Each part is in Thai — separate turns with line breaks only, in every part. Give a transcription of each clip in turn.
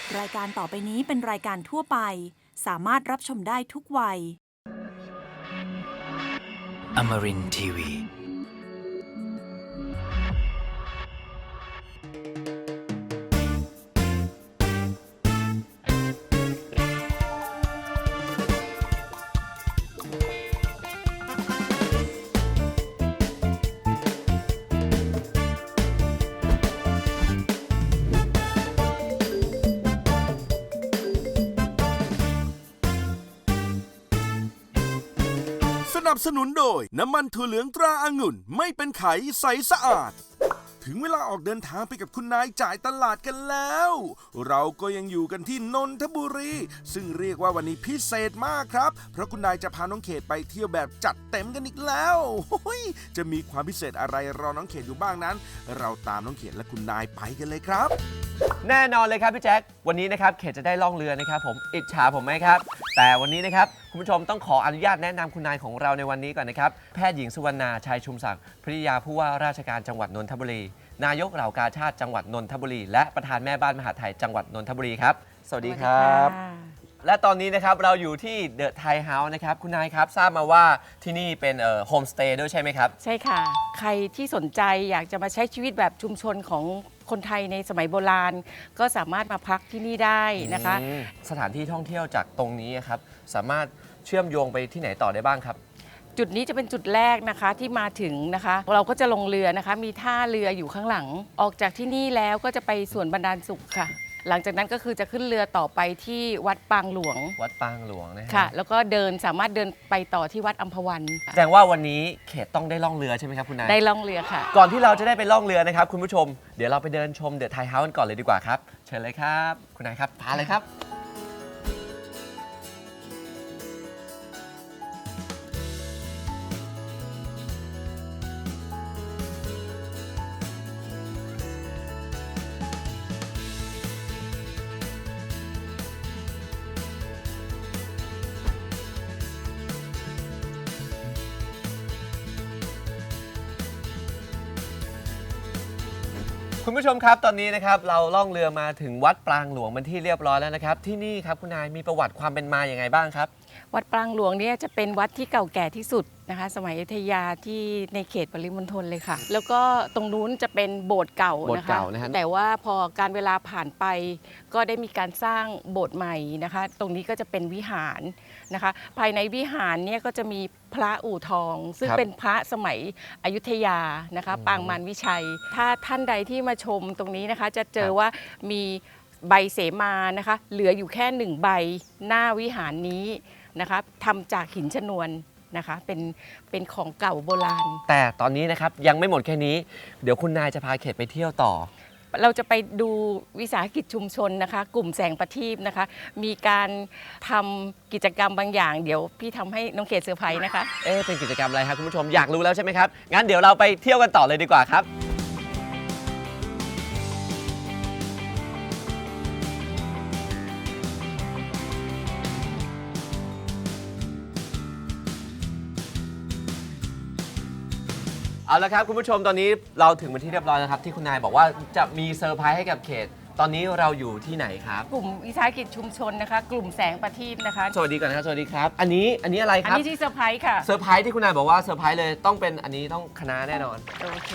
รายการต่อไปนี้เป็นรายการทั่วไปสามารถรับชมได้ทุกวัย
Amarin Tiwi.
สนับสนุนโดยน้ำมันถั่วเหลืองตราองุ่นไม่เป็นไขใสสะอาดถึงเวลาออกเดินทางไปกับคุณนายจ่ายตลาดกันแล้วเราก็ยังอยู่กันที่นนทบุรีซึ่งเรียกว่าวันนี้พิเศษมากครับเพราะคุณนายจะพาน้องเขตไปเที่ยวแบบจัดเต็มกันอีกแล้วจะมีความพิเศษอะไรรอน้องเขตอยู่บ้างนั้นเราตามน้องเขตและคุณนายไปกันเลยครับ
แน่นอนเลยครับพี่แจ็ควันนี้นะครับเขตจะได้ล่องเรือนะครับผมอิจฉาผมไหมครับแต่วันนี้นะครับคุณผู้ชมต้องขออนุญาตแนะนำคุณนายของเราในวันนี้ก่อนนะครับแพทย์หญิงสุวรรณาชัยชุมศักดิ์ภริยาผู้ว่าราชการจังหวัดนนทบุรีนายกเหล่ากาชาติจังหวัดนนทบุรีและประธานแม่บ้านมหาดไทยจังหวัดนนทบุรีครับสวัสดีครับและตอนนี้นะครับเราอยู่ที่เดอะไทยเฮาส์นะครับคุณนายครับทราบมาว่าที่นี่เป็นโฮมสเตย์ด้วยใช่ไหมครับ
ใช่ค่ะใครที่สนใจอยากจะมาใช้ชีวิตแบบชุมชนของคนไทยในสมัยโบราณก็สามารถมาพักที่นี่ได้นะคะ
สถานที่ท่องเที่ยวจากตรงนี้ครับสามารถเชื่อมโยงไปที่ไหนต่อได้บ้างครับ
จุดนี้จะเป็นจุดแรกนะคะที่มาถึงนะคะเราก็จะลงเรือนะคะมีท่าเรืออยู่ข้างหลังออกจากที่นี่แล้วก็จะไปสวนบรรดาลสุขค่ะหลังจากนั้นก็คือจะขึ้นเรือต่อไปที่วัดปางหลวง
นะ
ค่ะแล้วก็สามารถเดินไปต่อที่วัดอัมพวัน
แสดงว่าวันนี้เขตต้องได้ล่องเรือใช่ไหมครับคุณนาย
ได้ล่องเรือค่ะ
ก่อนที่เราจะได้ไปล่องเรือนะครับคุณผู้ชมเดี๋ยวเราไปเดินชมเดอะไทยเฮาส์กันก่อนเลยดีกว่าครับเชิญเลยครับคุณนายครับพาเลยครับคุณผู้ชมครับตอนนี้นะครับเราล่องเรือมาถึงวัดปรางหลวงเป็นที่เรียบร้อยแล้วนะครับที่นี่ครับคุณนายมีประวัติความเป็นมาอย่างไงบ้างครับ
วัดปรางหลวงเนี่ยจะเป็นวัดที่เก่าแก่ที่สุดนะคะสมัยอยุธยาที่ในเขตปริมณฑลเลยค่ะแล้วก็ตรงนู้นจะเป็นโบสถ์เก่านะคะแต่ว่าพอการเวลาผ่านไปก็ได้มีการสร้างโบสถ์ใหม่นะคะตรงนี้ก็จะเป็นวิหารนะคะภายในวิหารเนี่ยก็จะมีพระอู่ทองซึ่งเป็นพระสมัยอยุธยานะคะปางมารวิชัยถ้าท่านใดที่มาชมตรงนี้นะคะจะเจอว่ามีใบเสมานะคะเหลืออยู่แค่1ใบหน้าวิหารนี้นะคะทำจากหินชนวนนะคะเป็นของเก่าโบราณ
แต่ตอนนี้นะครับยังไม่หมดแค่นี้เดี๋ยวคุณนายจะพาเขตไปเที่ยวต่อ
เราจะไปดูวิสาหกิจชุมชนนะคะกลุ่มแสงประทีปนะคะมีการทำกิจกรรมบางอย่างเดี๋ยวพี่ทำให้น้องเขตเซอร์ไพรส์นะคะ
เป็นกิจกรรมอะไรครับคุณผู้ชมอยากรู้แล้วใช่ไหมครับงั้นเดี๋ยวเราไปเที่ยวกันต่อเลยดีกว่าครับเอาละครับคุณผู้ชมตอนนี้เราถึงเป็นที่เรียบร้อยแล้วครับที่คุณนายบอกว่าจะมีเซอร์ไพรส์ให้กับเขตตอนนี้เราอยู่ที่ไหนครับ
กลุ่มวิสาหกิจชุมชนนะคะกลุ่มแสงประทีปนะคะ
สวัสดีก่อนนะครับสวัสดีครับอันนี้อะไรครับ
อันนี้ที่เซอร์ไพรส์ค่ะ
เซอร์ไพรส์ที่คุณนายบอกว่าเซอร์ไพรส์เลยต้องเป็นอันนี้ต้องคณะแน่นอน
โอเค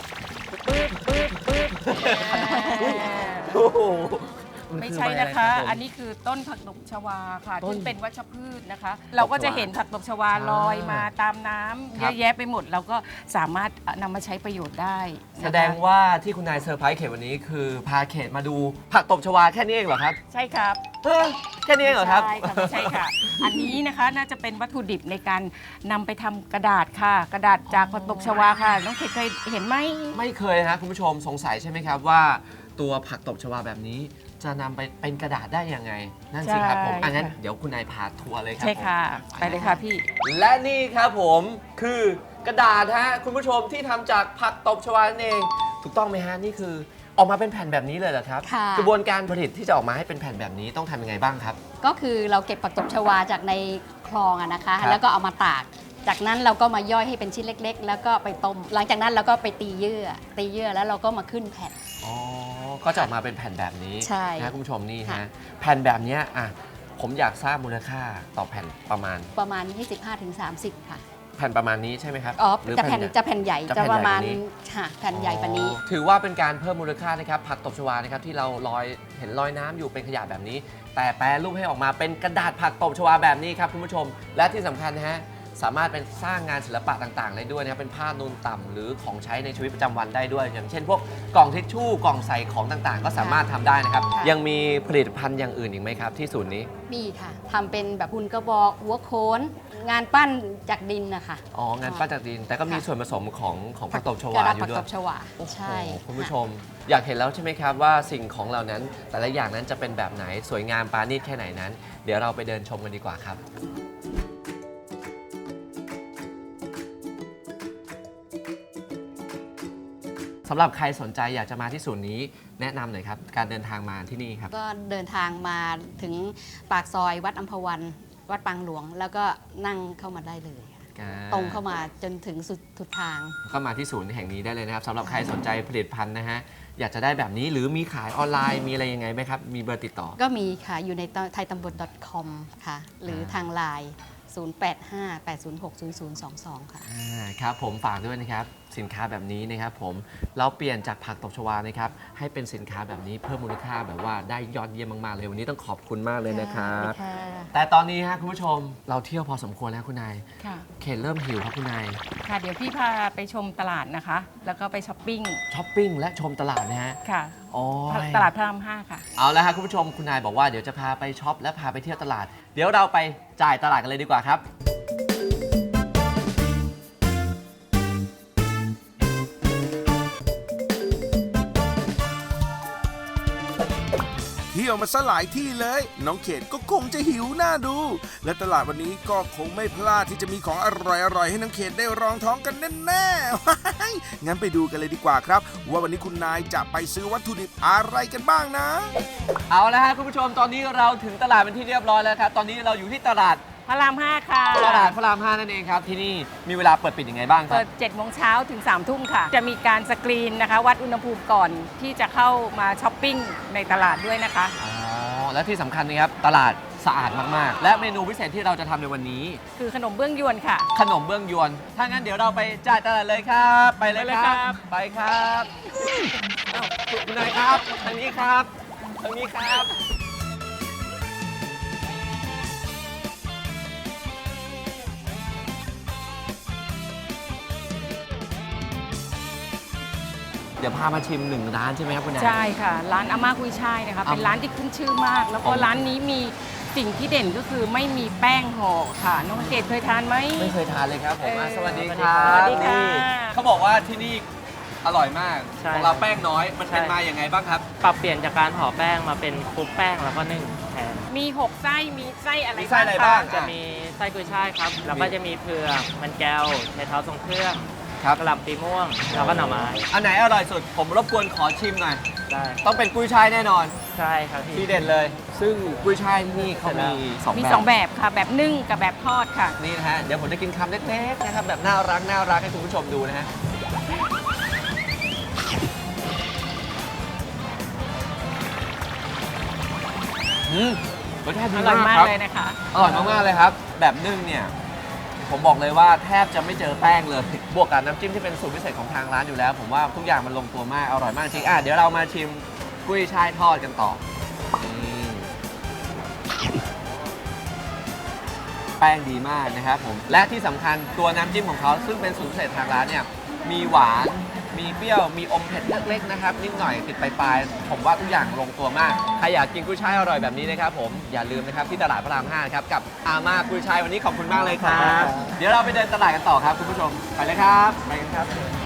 ปึ๊บ
โอ้โห
ไม่ใช่นะคะอันนี้คือต้นผักตบชวาค่ะที่เป็นวัชพืชนะคะเราก็จะเห็นผักตบชวาลอยมาตามน้ำเยอะแยะไปหมดเราก็สามารถนำมาใช้ประโยชน์ได้
แสดงว่าที่คุณนายเซอร์ไพรส์เขตวันนี้คือพาเขตมาดูผักตบชวาแค่นี้เองเหรอครับ
ใช่ครับ
แค่นี้เองเหรอครับ
ใช่ค่ะอันนี้นะคะน่าจะเป็นวัตถุดิบในการนำไปทำกระดาษค่ะกระดาษจากผักตบชวาค่ะน้องเขตเคยเห็นไหม
ไม่เคยนะคุณผู้ชมสงสัยใช่ไหมครับว่าตัวผักตบชวาแบบนี้จะนำไปเป็นกระดาษได้ยังไงนั่นสิครับผมงั้นเดี๋ยวคุณนายพาทัวร์เลยครับ
ใช่ค่ะไปเลยค่ะพี่
และนี่ครับผมคือกระดาษฮะคุณผู้ชมที่ทำจากผักตบชวาเองถูกต้องไหมฮะนี่คือออกมาเป็นแผ่นแบบนี้เลยเหรอครับกระบวนการผลิตที่จะออกมาให้เป็นแผ่นแบบนี้ต้องทำยังไงบ้างครับ
ก็คือเราเก็บผักตบชวาจากในคลองนะคะแล้วก็เอามาตากจากนั้นเราก็มาย่อยให้เป็นชิ้นเล็กๆแล้วก็ไปต้มหลังจากนั้นเราก็ไปตีเยื่อแล้วเราก็มาขึ้นแผ่น
ก็จะออกมาเป็นแผ่นแบบนี้
ใช่
นะคุณผู้ชมนี่
ค่ะ
ฮะแผ่นแบบเนี้ยอ่ะผมอยากทราบมูลค่าต่อแผ่นประมาณ
25-30 ค่ะ
แผ่นประมาณนี้ใช่ไหมครับ
อ๋อ
หรือ
จะแผ่น
ใหญ่
จะแผ่นใหญ่
จะ
จะ
แผ่นใหญ่
ประมาณ
กว่านี้
ค่ะแผ่นใหญ่กว่านี้
ถือว่าเป็นการเพิ่มมูลค่านะครับผักตบชวานะครับที่เราเห็นลอยน้ำอยู่เป็นขยะแบบนี้ แต่แปรรูปให้ออกมาเป็นกระดาษผักตบชวาแบบนี้ครับคุณผู้ชม และที่สำคัญนะฮะสามารถเป็นสร้างงานศิลปะต่างๆได้ด้วยนะครับเป็นผ้านูนต่ำหรือของใช้ในชีวิตประจำวันได้ด้วย อย่างเช่นพวกกล่องทิชชู่กล่องใส่ของต่างๆ ก็สามารถทำได้นะครับ
ค่ะ
ยังมีผลิตภัณฑ์อย่างอื่นอีกไหมครับที่ศูนย์นี้
มีค่ะทำเป็นแบบหุ่นกระบอกหัวโขนงานปั้นจากดินนะคะ
อ๋องานปั้นจากดิน แต่ก็มี
ค่ะ
ส่วนผสมของผักตบช
ก
วา
ระดาษ
อ
ผัก
ยู่ด้ว
ต
ย
บชวา
โอ้โห
ใช่
คุณผู้ชม อยากเห็นแล้วใช่ไหมครับว่าสิ่งของเหล่านั้น แต่ละอย่างนั้นจะเป็นแบบไหนสวยงามปราณีตแค่ไหนนั้น เดี๋ยวเราไปเดินชมกันดีกว่าครับ สำหรับใครสนใจอยากจะมาที่ศูนย์นี้แนะนำหน่อยครับ การเดินทางมาที่นี่ครับ
ก็เดินทางมาถึงปากซอยวัดอัมพวันวัดปางหลวง แล้วก็นั่งเข้ามาได้เลยค่ะตรงเข้ามาจนถึงสุดทาง
เข้ามาที่ศูนย์แห่งนี้ได้เลยนะครับสำหรับใครสนใจผลิตภัณฑ์นะฮะอยากจะได้แบบนี้หรือมีขายออนไลน์มีอะไรยังไงไหมครับ มีเบอร์ติดต่อ
ก็มีค่ะอยู่ในไทยตำบล .com ค่ะ หรือทางไลน์ 0858060022 ค่ะ
ครับผมฝากด้วยนะครับสินค้าแบบนี้นะครับผมเราเปลี่ยนจากผักตบชวานะครับให้เป็นสินค้าแบบนี้เพิ่มมูลค่าแบบว่าได้ยอดเยี่ยมมากๆเลยวันนี้ต้องขอบคุณมากเลยนะครับ
ค่ะ
แต่ตอนนี้ฮะคุณผู้ชมเราเที่ยวพอสมควรแล้วคุณนาย
ค่ะ
เขตเริ่มหิวครับคุณนาย
ค่ะ เดี๋ยวพี่พาไปชมตลาดนะคะ แล้วก็ไปช้อปปิ้ง
ช้อปปิ้งและชมตลาดนะฮะ
ค่ะ
โอ้ย
ตลาดพระราม5ค่ะ
เอาละครับคุณผู้ชมคุณนายบอกว่าเดี๋ยวจะพาไปช็อปและพาไปเที่ยวตลาด เดี๋ยวเราไปจ่ายตลาดกันเลยดีกว่าครับ
เที่ยวมาซะหลายที่เลย น้องเขตก็คงจะหิวหน้าดู และตลาดวันนี้ก็คงไม่พลาดที่จะมีของอร่อยๆให้น้องเขตได้รองท้องกันแน่ๆ ว้ายงั้นไปดูกันเลยดีกว่าครับ ว่าวันนี้คุณนายจะไปซื้อวัตถุดิบอะไรกันบ้างนะ
เอาละครับคุณผู้ชมตอนนี้เราถึงตลาดเป็นที่เรียบร้อยแล้วครับตอนนี้เราอยู่ที่ตลาด
พระราม5ค่ะ
ตลาดพระราม 5 นั่นเองครับที่นี่มีเวลาเปิดปิดยังไงบ้างครั
เปิ
บ
ด7โมงเช้าถึง3ทุ่มค่ะ จะมีการสกรีนนะคะ วัดอุณหภูมิก่อนที่จะเข้ามาช้อปปิ้งในตลาดด้วยนะคะ
อ๋อและที่สำคัญนะครับตลาดสะอาดมากๆ และเมนูพิเศษที่เราจะทำในวันนี้
คือขนมเบื้องยวนค่ะ
ขนมเบื้องยวน ถ้างั้นเดี๋ยวเราไปจ่ายตลาดเลยครับ ไปเลยครับ ไปครับอ้าวคุณนายครับ ทางนี้ครับ ทางนี้ครับ เดี๋ยวพามาชิมหนึ่งร้านใช่ไหมครับคุณนาย
ใช่ค่ะ ร้านอาม่ากุยช่ายนะคะ เป็นร้านที่ขึ้นชื่อมาก แล้วก็
อ๋อ
ร้านนี้มีสิ่งที่เด่นก็คือไม่มีแป้งห่อค่ะ น้องเกดเคยทานไหม
ไม่เคยทานเลยครับผมอ่ะ
เออ
สวัสดีครับ
สวัสดีค่ะ
นี่เขาบอกว่าที่นี่อร่อยมาก
ใช่
ของเราแป้งน้อย มันเป็น
ใช่
มาอย่างไงบ้างครับ
ปรับเปลี่ยนจากการห่อแป้งมาเป็นคลุกแป้งแล้วก็นึ่งแทน
มี 6 ไส้ มีไส้อะไร
มีไส้อะไรบ้าง
คะ
จะมีไส้กุยช่ายครับ แล้วก็จะมีเผือกมันแก้วไชเท้าทรงเครื่อง
ครับ
กระหล่ำปีม่วง แล้วก็หน่อไม้
อันไหนอร่อยสุด ผมรบกวนขอชิมหน่อย
ได้
ต้องเป็นกุ้ยช่ายแน่นอน
ใช่ครับพี่
ที่เด่นเลย ซึ่งกุ้ยช่ายที่นี่เขามีสอง
มี
แบบ
2 แบบค่ะ แบบนึ่งกับแบบทอดค่ะ
นี่นะฮะ เดี๋ยวผมจะกินคำเล็กๆนะครับ แบบน่ารักให้คุณผู้ชมดูนะฮะ รสชาติ
อ
ดี
ร่อย
มาก
มาก
ครับ
เลยนะคะ
อร่อยมากๆเลยครับ แบบนึ่งเนี่ย ผมบอกเลยว่าแทบจะไม่เจอแป้งเลย บวกกับน้ำจิ้มที่เป็นสูตรพิเศษของทางร้านอยู่แล้ว ผมว่าทุกอย่างมันลงตัวมาก อร่อยมากจริงเดี๋ยวเรามาชิมกุ้ยช่ายทอดกันต่อแป้งดีมากนะครับผม และที่สำคัญตัวน้ำจิ้มของเขาซึ่งเป็นสูตรพิเศษทางร้านเนี่ย มีหวาน มีเปรี้ยว มีอมเผ็ดเล็กๆนะครับ นิดหน่อยติดปลายๆผมว่าทุกอย่างลงตัวมาก ใครอยากกินกุ้ยช่ายอร่อยแบบนี้นะครับผม อย่าลืมนะครับที่ตลาดพระราม 5 นะครับ กับอาม่ากุ้ยช่ายวันนี้ขอบคุณมากเลยครับ เดี๋ยวเราไปเดินตลาดกันต่อครับคุณผู้ชม ไปเลยครับ ไปกันครับ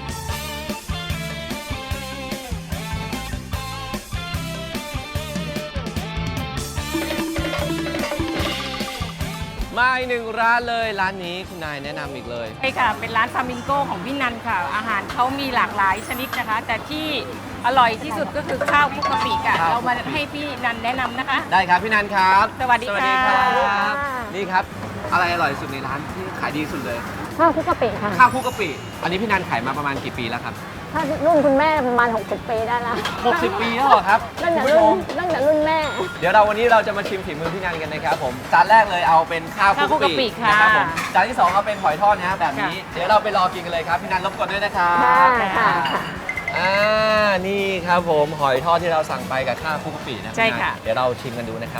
มาอีกหนึ่งร้านเลยร้านนี้คุณนายแนะนำอีกเลย
ใช่ค่ะ เป็นร้านฟามิงโกของพี่นันค่ะ อาหารเขามีหลากหลายชนิดนะคะ แต่ที่อร่อยที่สุดก็คือข้าวคลุกกะปิค่ะ
ข้าว
เรามาให้พี่นันแนะนำนะคะ
ได้ครับพี่นันครับ
สวัสดีค่ะ
ครับนี่ครับ อะไรอร่อยสุดในร้านที่ขายดีสุดเลย
ข้าวคลุกกะปิค่ะ
ข้าวคลุกกะปิ อันนี้พี่นันขายมาประมาณกี่ปีแล้วครับ
ถ้ารุ่นคุณแม่ประมาณ60 ปีได้ละ
60 ปีแล้วเหรอครับ
ตั้งแต่
คุณผู้ช
รุ่
ม
นตั้งแต่รุ่นแม่
เดี๋ยววันนี้เราจะมาชิมฝีมือพี่นันกันนะครับผมจานแรกเลยเอาเป็นข้าวคลุกกะปินะครับผมจานที่ 2เอาเป็นหอยทอดนะฮะแบบนี้เดี๋ยวเราไปรอกินกันเลยครับพี่นันรบกวนด้วยนะครับ
ค่ะ
นี่ครับผมหอยทอดที่เราสั่งไปกับข้าวคลุกกะปินะ
ใช่ค่ะ
เดี๋ยวเราชิมกันดูนะครับ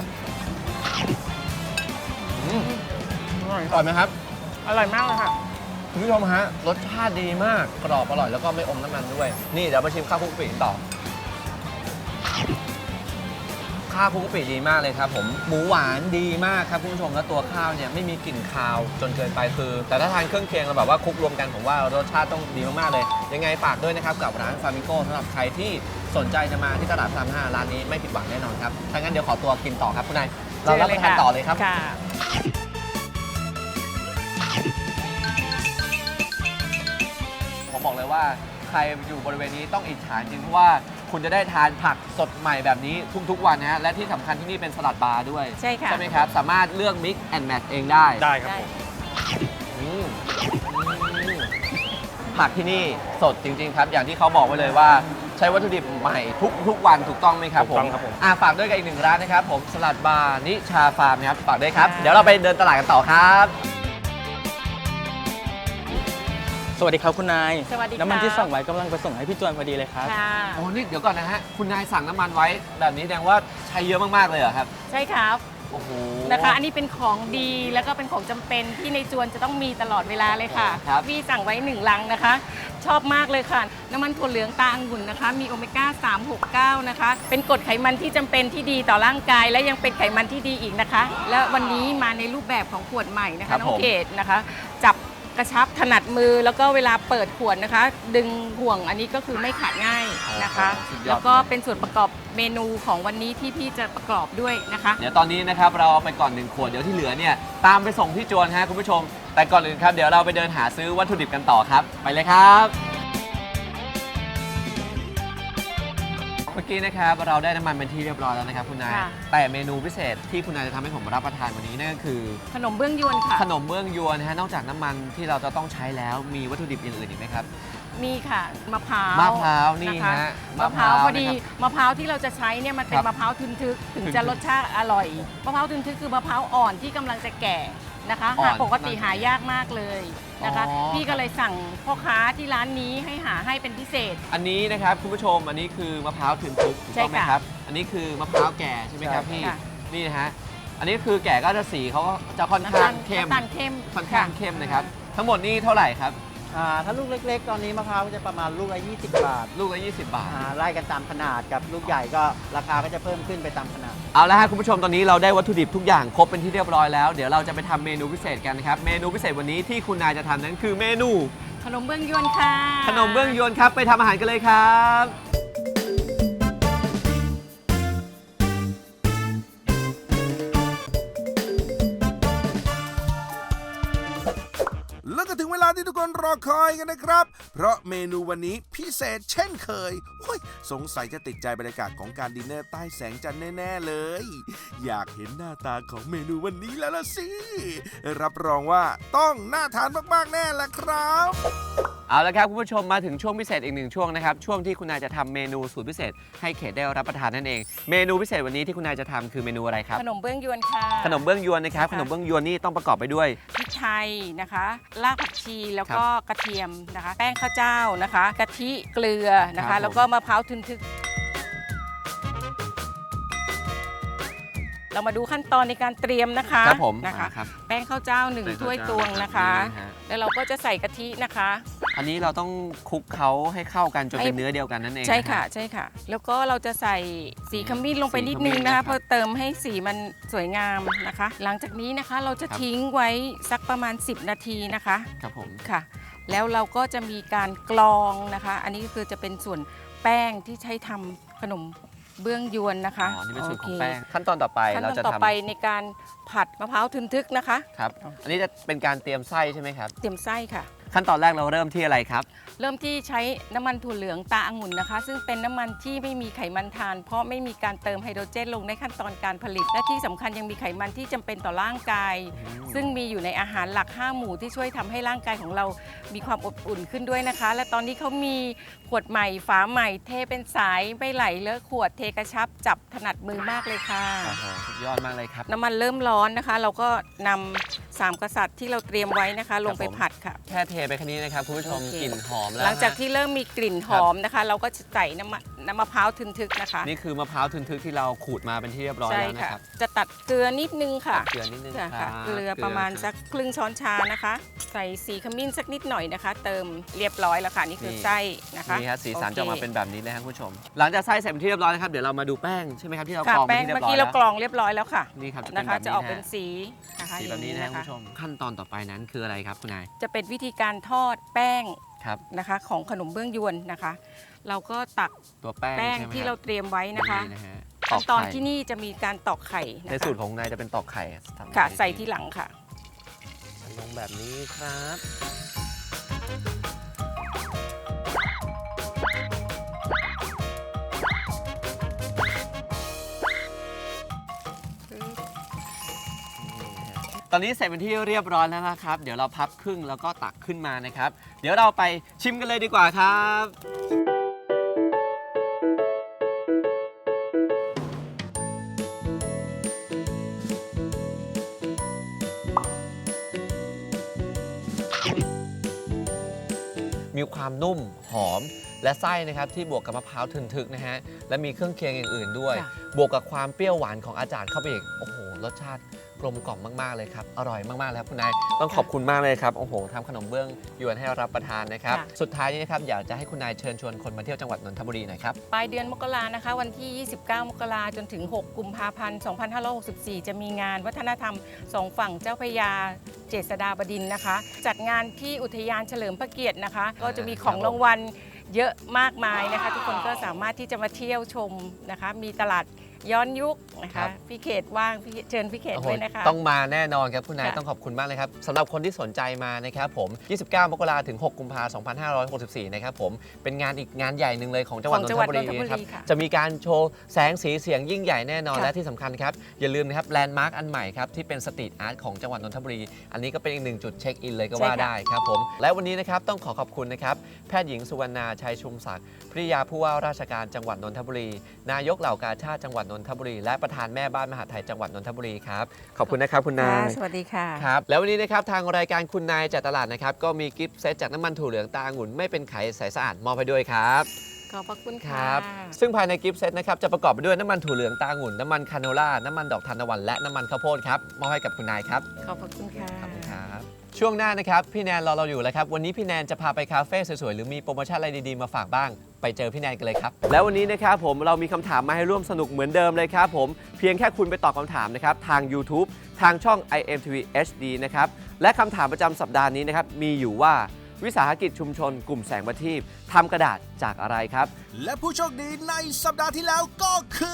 อร่อยไหมครับ
อร่อยมากเลยค่ะ
คุณผู้ชมฮะรสชาติดีมากกรอบอร่อยแล้วก็ไม่อมน้ำมันด้วยนี่เดี๋ยวมาชิมข้าวคลุกกะปิต่อข้าวคลุกกะปิดีมากเลยครับผมหมูหวานดีมากครับคุณผู้ชมแล้วตัวข้าวเนี่ยไม่มีกลิ่นคาวจนเกินไปคือแต่ถ้าทานเครื่องเคียงเราแบบว่าคลุกรวมกันผมว่ารสชาติต้องดีมากๆเลยยังไงฝากด้วยนะครับกับร้านฟามิโก้สำหรับใครที่สนใจจะมาที่ตลาดพระราม5ร้านนี้ไม่ผิดหวังแน่นอนครับถ้างั้นเดี๋ยวขอตัวกินต่อครับคุณนายเรารับประทานต่อเลยครับ
ค่ะ
ผมบอกเลยว่าใครอยู่บริเวณนี้ต้องอิจฉาจริงเพราะว่าคุณจะได้ทานผักสดใหม่แบบนี้ทุกๆวันนะฮะและที่สำคัญที่นี่เป็นสลัดบาร์ด้วย
ใช่ค่ะ
ใช่ไหมครับ สามารถเลือก mix and match เองได้
ได้ครับผม
อืมผักที่นี่สดจริง ๆ ครับ อย่างที่เขาบอกไว้เลยว่าใช้วัตถุดิบใหม่ทุกวันถูกต้องไหมครับ
ถูกต้องครับผม
ฝากด้วยกับอีกหนึ่งร้านนะครับผมสลัดบาร์นิชาฟาร์มนะครับฝากด้วยครับเดี๋ยวเราไปเดินตลาดกันต่อครับ
สวัสดีครับคุณนาย
สวัสดีครับ
น้ำมันที่สั่งไว้กำลังไปส่งให้พี่จวนพอดีเลยครับ
ค่ะ
โอ้นี่เดี๋ยวก่อนนะฮะคุณนายสั่งน้ำมันไว้แบบนี้แสดงว่าใช้เยอะมากๆเลยเหรอครับ
ใช่ครับ
โอ้โห
นะคะอันนี้เป็นของดีแล้วก็เป็นของจำเป็นที่ในจวนจะต้องมีตลอดเวลาเลยค่ะ
ครับ
พี่สั่งไว้1 ลังนะคะ ชอบมากเลยค่ะ น้ำมันถั่วเหลืองตาองุ่นนะคะ มีโอเมก้า 369 นะคะ เป็นกรดไขมันที่จำเป็นที่ดีต่อร่างกาย และยังเป็นไขมันที่ดีอีกนะคะ และวันนี้มาในรูปแบบของขวดใหม่นะ
ครั
คะ
บ
น้อง
ผม
เกดนะคะ จับกระชับถนัดมือแล้วก็เวลาเปิดขวดนะคะ ดึงห่วงอันนี้ก็คือไม่ขาดง่ายนะคะ
สุดยอด
แล้วก็เป็นส่วนประกอบเมนูของวันนี้ที่พี่จะประกอบด้วยนะคะ
เดี๋ยวตอนนี้นะครับเราเอาไปก่อน1ขวดเดี๋ยวที่เหลือเนี่ยตามไปส่งที่จวนฮะคุณผู้ชม แต่ก่อนอื่นครับเดี๋ยวเราไปเดินหาซื้อวัตถุดิบกันต่อครับ ไปเลยครับเมื่อกี้นะครับเราได้น้ำมันเป็นที่เรียบร้อยแล้วนะครับคุณนาย
ค่ะ
แต่เมนูพิเศษที่คุณนายจะทำให้ผมรับประทานวันนี้นั่นก็คือ
ขนมเบื้องยวนค่ะ
ขนมเบื้องยวนนะฮะนอกจากน้ำมันที่เราจะต้องใช้แล้วมีวัตถุดิบอย่างอื่นอีกไหมครับ
มีค่ะมะพร้าว
มะพร้าวนี่
ค
ฮะ
มะพร้าวพอดี
นะครับ
มะพร้าวที่เราจะใช้เนี่ยมันเป็
ครั
น
บ
มะพร้าวทึนทึกถึง
ทึนทึก
จะรสชาติอร่อยมะพร้าวทึนทึกคือมะพร้าวอ่อนที่กำลังจะแก่นะคะ
อ่อน
หาปกติหายากมากเลยนะคะ
อ๋อ
พี่ก็เลยสั่งพ่อค้าที่ร้านนี้ให้หาให้เป็นพิเศษ
อันนี้นะครับคุณผู้ชมอันนี้คือมะพร้าวถึงทึกถูกต้องไหม
ใช่ค่ะ
ครับ อันนี้คือมะพร้าวแก่ใช่ไหมครับ
ใช่
พี่
ค่ะ
นี่นะฮะอันนี้คือแก่ก็จะสีเขาก็จะค่อนข้างเข้ม
น้ำตาลเข้ม
ค่อนข้างเข้มนะครับทั้งหมดนี่เท่าไหร่ครับ
ถ้าลูกเล็กๆ ตอนนี้มะพร้าวจะประมาณลูกละ20 บาท
ลูกละ20 บาท
ไล่กันตามขนาดกับลูกใหญ่ก็ราคาก็จะเพิ่มขึ้นไปตามขนาด
เอาละฮะคุณผู้ชมตอนนี้เราได้วัตถุดิบทุกอย่างครบเป็นที่เรียบร้อยแล้วเดี๋ยวเราจะไปทำเมนูพิเศษกันนะครับเมนูพิเศษวันนี้ที่คุณนายจะทำนั้นคือเมนู
ขนมเบื้องยวนค่ะ
ขนมเบื้องยวนครับไปทำอาหารกันเลยครับ
แล้วก็ถึงเวลาที่ทุกคนรอคอยกันนะครับ เพราะเมนูวันนี้พิเศษเช่นเคยโอ้ยสงสัยจะติดใจบรรยากาศของการดินเนอร์ใต้แสงจันทร์แน่ๆเลย อยากเห็นหน้าตาของเมนูวันนี้แล้วล่ะสิ รับรองว่าต้องน่าทานมากๆแน่แหละครับ
เอาละครับคุณผู้ชมมาถึงช่วงพิเศษอีกหนึ่งช่วงนะครับช่วงที่คุณนายจะทำเมนูสูตรพิเศษให้เขตได้รับประทานนั่นเองเมนูพิเศษวันนี้ที่คุณนายจะทำคือเมนูอะไรครับ
ขนมเบื้องยวนค่ะ
ขนมเบื้องยวนนะครับขนมเบื้องยวนนี่ต้องประกอบไปด้วย
พริกไทยนะคะรากผักชีแล้วก็กระเทียมนะคะ แป้งข้าวเจ้านะคะกะทิเกลือนะ
ครั
คะ
บผม
แล้วก็มะพร้าวทึนทึก เรามาดูขั้นตอนในการเตรียมนะคะ
ครับผม
นะคะ
ครับ
แป้งข้าวเจ้า
แป้งข้าว
1 ถ้วย
เจ้า
ตวงนะคะ
นี่ฮะ
แล้วเราก็จะใส่กะทินะคะ
อันนี้เราต้องคลุกเขาให้เข้ากันจนเป็นเนื้อเดียวกันนั่นเอง
ใช่ค่ะ
นรับ
ใช่ค่ะ แล้วก็เราจะใส่สีขมิ้นลงไปนิดนึง
สีขมิ้น
นะ
นะครั
คะ
บ
เพื่อเติมให้สีมันสวยงามนะคะ หลังจากนี้นะคะเราจะ
ครับ
ทิ้งไว้สักประมาณ 10 นาทีนะคะ
ครับผม
ค่ะ แล้วเราก็จะมีการกรองนะคะ อันนี้ก็คือจะเป็นส่วนแป้งที่ใช้ทำขนมเบื้องยวนนะคะ
อ๋อนี่เป็นส่วนของ
โค
แป้งขั้นตอนต่อไป
ขั้นต
เรา
อน
จะ
ต่อ
ทำ
ไปในการผัดมะพร้าวทึนทึกนะคะ
ครับอันนี้จะเป็นการเตรียมไส้ใช่ไหมครับ
เตรียมไส้ค่ะ
ขั้นตอนแรกเราเริ่มที่อะไรครับ
เริ่มที่ใช้น้ำมันถั่วเหลืองตาองุ่นนะคะ ซึ่งเป็นน้ำมันที่ไม่มีไขมันทาน เพราะไม่มีการเติมไฮโดรเจนลงในขั้นตอนการผลิตและที่สำคัญยังมีไขมันที่จำเป็นต่อร่างกาย ซึ่งมีอยู่ในอาหารหลัก 5 หมู่ที่ช่วยทำให้ร่างกายของเรามีความอบอุ่นขึ้นด้วยนะคะ และตอนนี้เขามีขวดใหม่ฝาใหม่เทเป็นสายไม่ไหลเลอะขวดเทกระชับจับถนัดมือมากเลยค่ะ
โอ้โหสุดยอดมากเลยครับ
น้ำมันเริ่มร้อนนะคะ เราก็นำ3 กษัตริย์ที่เราเตรียมไว้นะคะ ลงไปผัดค่ะ
แค่เทไปแค่นี้นะครับคุณผู้ชม
โอเค
กลิ่นหอมแล้ว
หลังจาก
ฮะ
ที่เริ่มมีกลิ่นหอมนะคะ เราก็จะใส่น้ำมะพร้าวทึนทึกนะคะ
นี่คือมะพร้าวทึนทึกที่เราขูดมาเป็นที่เรียบร้อย
ใช่
แล้วนะ
ค่ะ
ครับ
จะตัดเกลือนิดนึงค่ะ
เกลือนิดนึง
ค่ะ
ครับ
เกลือประมาณสักครึ่งช้อนชานะคะ ใส่สีขมิ้นสักนิดหน่อยนะคะ เติมเรียบร้อยแล้วค่ะนี่คือไส้นะคะ
นี่ฮะสีสัน
โอเค
จะออกมาเป็นแบบนี้เลยครับคุณผู้ชม หลังจากไส้เสร็จเป็นที่เรียบร้อยนะครับเดี๋ยวเรามาดูแป้งใช่ไหมครับที่เรา
ค่ะ
กรองเป็
แป้
น
ง
ที่เรีย
เมื่
บ
อ
ร้อย
กี้
แล้
เรา
ว
กรองเรียบร้อยแล้วค่ะ
นี่ครับจะ
นะ
เป็นแบ
คะ
บ
จะ
นี้
ออกเป็น
ฮะ
สีนะคะ
สีแบบนี้นะ
อย่าง
คุณผู้ชม ขั้นตอนต่อไปนั้นคืออะไรครับคุณนาย
จะเป็นวิธีการทอดแป้ง
ครับ
นะคะของขนมเบื้องยวนนะคะ เราก็ตัก
ตัวแป้ง
แป้ง
ใช่ไหม
ที่
ค
เรา
บ
เตรียมไว้นะคะ
นะฮะ
ขั้นตอน
ไข่
ที่นี่จะมีการตอกไข่นะ
ใน
คะ
สูตรของนายจะเป็นตอกไข่ทำ
ค่ะ
ไข่
ใส่ที่หลังค่ะ
ลงแบบนี้ครับ ตอนนี้เสร็จเป็นที่เรียบร้อยแล้วนะครับ เดี๋ยวเราพับครึ่งแล้วก็ตักขึ้นมานะครับ เดี๋ยวเราไปชิมกันเลยดีกว่าครับ มีความนุ่มหอมและไส้นะครับที่บวกกับมะพร้าวทึนๆนะฮะและมีเครื่องเคียงอย่างอื่นด้วย
ค่ะ
บวกกับความเปรี้ยวหวานของอาจารย์เข้าไปอีกโอ้โหรสชาติกลมกล่อมมากๆเลยครับอร่อยมากๆเลยครับคุณนายต้องขอบคุณมากเลยครับโอ้โหทำขนมเบื้องยวนให้รับประทานนะครับ
ค่ะ
สุดท้ายนี้นะครับอยากจะให้คุณนายเชิญชวนคนมาเที่ยวจังหวัดนนทบุรีหน่อยครับ
ปลายเดือนมกรานะคะ วันที่ 29 มกราจนถึง 6 กุมภาพันธ์ 2564 จะมีงานวัฒนธรรมสองฝั่งเจ้าพระยาเจษฎาบดินทร์นะคะ จัดงานที่อุทยานเฉลิมพระเกียรตินะคะ ก็จะมีของรางวัลเยอะมากมายนะคะ ทุกคนก็สามารถที่จะมาเที่ยวชมนะคะ มีตลาดย้อนยุคนะ
ครั
คะ
บ
พี่เขตว่างเชิญพี่เขต
โอ้โห
ด้วยนะคะ
ต้องมาแน่นอนครับคุณนาย
ค่ะ
ต้องขอบคุณมากเลยครับสำหรับคนที่สนใจมานะครับผม 29 มกราถึง 6 กุมภาพันธ์ 2564 นะครับผมเป็นงานอีกงานใหญ่หนึ่งเลยของจังหวัดนนทบุรีนะครับ
ค่ะ
จะมีการโชว์แสงสีเสียงยิ่งใหญ่แน่นอน
ค่ะ
และที่สำคัญครับ อย่าลืมนะครับแลนด์มาร์คอันใหม่ครับ ที่เป็นสตรีทอาร์ตของจังหวัดนนทบุรี อันนี้ก็เป็นอีกหนึ่งจุดเช็คอินเลยก็ว่าได้ครับผม และวันนี้นะครับต้องขอบคุณนะครับ แพทย์หญิงสุวรรณาชัยชุมศักดิ์ภริยาผู้ว่าราชการจังหวัดนนทบุรี นายกเหล่ากาชาติจังหวัดนนทบุรี และประธานแม่บ้านมหาดไทยจังหวัดนนทบุรีครับขอบคุณนะครับคุณนาย
สวัสดีค่ะ
ครับแล้ววันนี้นะครับทางรายการคุณนายจัดตลาดนะครับก็มีกิฟต์เซตจากน้ำมันถั่วเหลืองตาองุ่นไม่เป็นไขใสสะอาดมอบให้ด้วยครับ
ขอบพระคุณ
ค
ค่ะ
รับซึ่งภายในกิฟต์เซตนะครับจะประกอบไปด้วยน้ำมันถั่วเหลืองตาองุ่นน้ำมันคาโนล่าน้ำมันดอกทานตะวันและน้ำมันข้าวโพดครับมอบให้กับคุณนายครับ
ขอบพระคุณค่ะ
ขอบคุณครับช่วงหน้านะครับพี่แนนรอเราอยู่แล้วครับวันนี้พี่แนนจะพาไปคาเฟ่สวยๆหรือมีโปรโมชั่นอะไรดีๆมาฝากบ้างไปเจอพี่แนนกันเลยครับแล้ววันนี้นะครับผมเรามีคำถามมาให้ร่วมสนุกเหมือนเดิมเลยครับผมเพียงแค่คุณไปตอบคำถามนะครับทาง YouTube ทางช่อง IMTV HD นะครับและคำถามประจำสัปดาห์นี้นะครับมีอยู่ว่าวิสาหกิจชุมชนกลุ่มแสงประทีปทำกระดาษจากอะไรครับ
และผู้โชคดีในสัปดาห์ที่แล้วก็คือ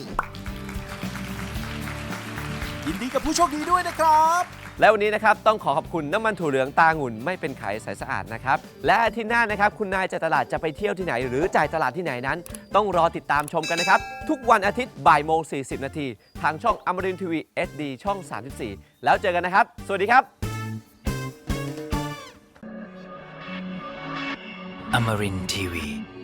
ยินดีกับผู้โชคดีด้วยนะครับ
และวันนี้นะครับต้องขอบคุณน้ำมันถั่วเหลืองตาองุ่นไม่เป็นไขใสสะอาดนะครับและอาทิตย์หน้านะครับคุณนายจ่ายตลาดจะไปเที่ยวที่ไหน หรือจ่ายตลาดที่ไหนนั้น ต้องรอติดตามชมกันนะครับทุกวันอาทิตย์บ่ายโมง40 นาทีทางช่องอมรินทร์ทีวี SD ช่อง 34 แล้วเจอกันนะครับ สวัสดีครับ
Amarin Tiwi.